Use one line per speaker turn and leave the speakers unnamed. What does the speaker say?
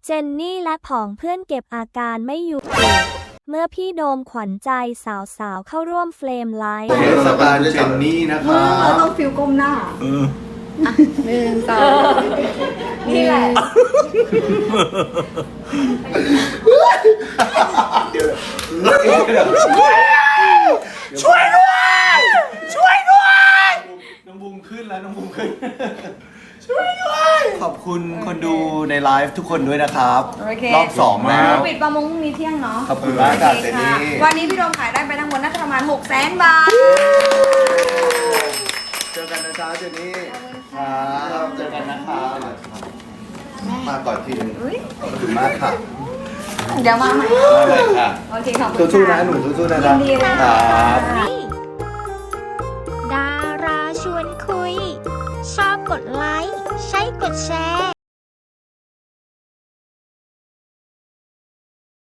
เจนนี่และผองเพื่อนเก็บอาการไม่อยู่เมื่อพี่โดมขวัญใจสาวๆเข้าร่วมเฟรมไลฟ์
เทศกาลเจนนี่นะคะ
เราต้องฟิลก้มหน้า1 2นี่แหละ
ช่วยด้วยช่วยด้วยน้องบูมขึ้นแล้วน้องบูมขึ้นช่วยด้วยขอบคุณคนดูในไลฟ์ทุกคนด้วยนะครับรอบ2แล้ว
ปิดประมงพรุ่งนี้เที่ยงเนาะ
ขอบคุณมากครับเจนนี่
วันนี้พี่โดมขายได้ไปทั้งหมดน่าจะประมาณ 600,000 บาท
เจอกันนะจ๊ะเจนนี่ครับเจอกันนะครับมาก่อนทีนึงขอบคุณมากค่ะ
เดี๋ยวมาใหม่
มาเลยค่ะ
โอเคขอบคุณ
สู้ๆนะหนูสู้ๆนะ
ยินดีเลย
ค
ค่ะ
รับ
ดาราชวนคุย ชอบกดไลค์ใช้กดแชร์